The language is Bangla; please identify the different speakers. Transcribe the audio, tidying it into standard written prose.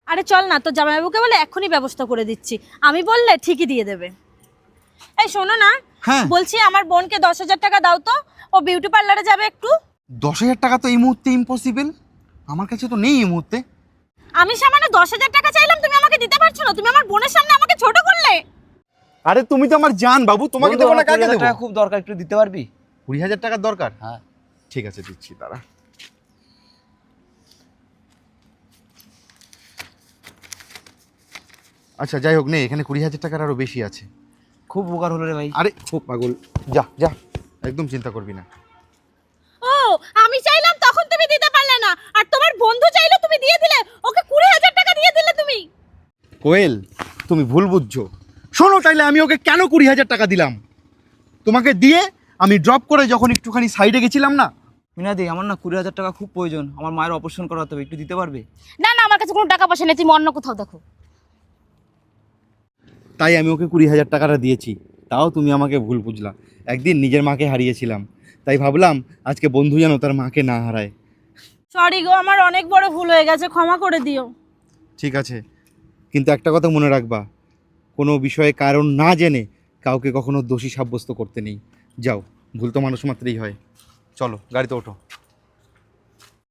Speaker 1: আরে চল না, তোর জামাইবাবুকে বলে এক্ষুনি ব্যবস্থা করে দিচ্ছি। আমি বললে ঠিকই দিয়ে দেবে। এই শোনো না,
Speaker 2: হ্যাঁ
Speaker 1: বলছি আমার বোনকে 10,000 টাকা দাও তো, ও বিউটি পার্লারে যাবে একটু।
Speaker 2: 10,000 টাকা তো এই মুহূর্তে ইম্পসিবল, আমার কাছে তো নেই এই মুহূর্তে।
Speaker 1: আমি সামান্য 10,000 টাকা চাইলাম, তুমি আমাকে দিতে পারছো না? তুমি আমার বোনের সামনে আমাকে ছোট করলে।
Speaker 2: আরে তুমি তো আমার জান বাবু, তোমাকে দেবো না কাকে দেবো?
Speaker 3: টাকা খুব দরকার, একটু দিতে পারবি?
Speaker 2: 20,000 টাকার দরকার?
Speaker 3: হ্যাঁ।
Speaker 2: ঠিক আছে দিচ্ছি, দাঁড়া। আচ্ছা যাই হোক, নে এখানে 20,000 টাকার আরো বেশি আছে।
Speaker 3: খুব উপকার হলো রে ভাই।
Speaker 2: আরে খুব পাগল, যা যা, একদম চিন্তা করবি না।
Speaker 1: ও, আমি চাইলাম তখন তুমি দিতে পারলে না, আর তোমার বন্ধু চাইলো তুমি দিয়ে দিলে। ওকে 20,000 টাকা দিয়ে দিলে তুমি।
Speaker 2: কোয়েল, তুমি ভুল বুঝছো। শোনো তাইলে আমি ওকে কেন 20,000 টাকা দিলাম। তোমাকে দিয়ে আমি ড্রপ করে যখন একটুখানি সাইডে গেছিলাম না,
Speaker 3: মিনাদি, আমার না 20,000 টাকা খুব প্রয়োজন, আমার মায়ের অপারেশন করাতে হবে, একটু দিতে পারবে?
Speaker 1: না না, আমার কাছে কোনো টাকা পয়সা নেই, তুমি অন্য কোথাও দেখো।
Speaker 2: তাই আমি ওকে 20,000 টাকাটা দিয়েছি। তাও তুমি আমাকে ভুল বুঝলা। একদিন নিজের মাকে হারিয়েছিলাম, তাই ভাবলাম আজকে বন্ধু যেন তার মাকে না হারায়।
Speaker 1: সরি গো, আমার অনেক বড় ভুল হয়ে গেছে, ক্ষমা করে দিও।
Speaker 2: ঠিক আছে, কিন্তু একটা কথা মনে রাখবা, কোনো বিষয়ে কারণ না জেনে কাউকে কখনো দোষী সাব্যস্ত করতে নেই। যাও, ভুল তো মানুষ মাত্রই হয়। চলো গাড়িতে ওঠো।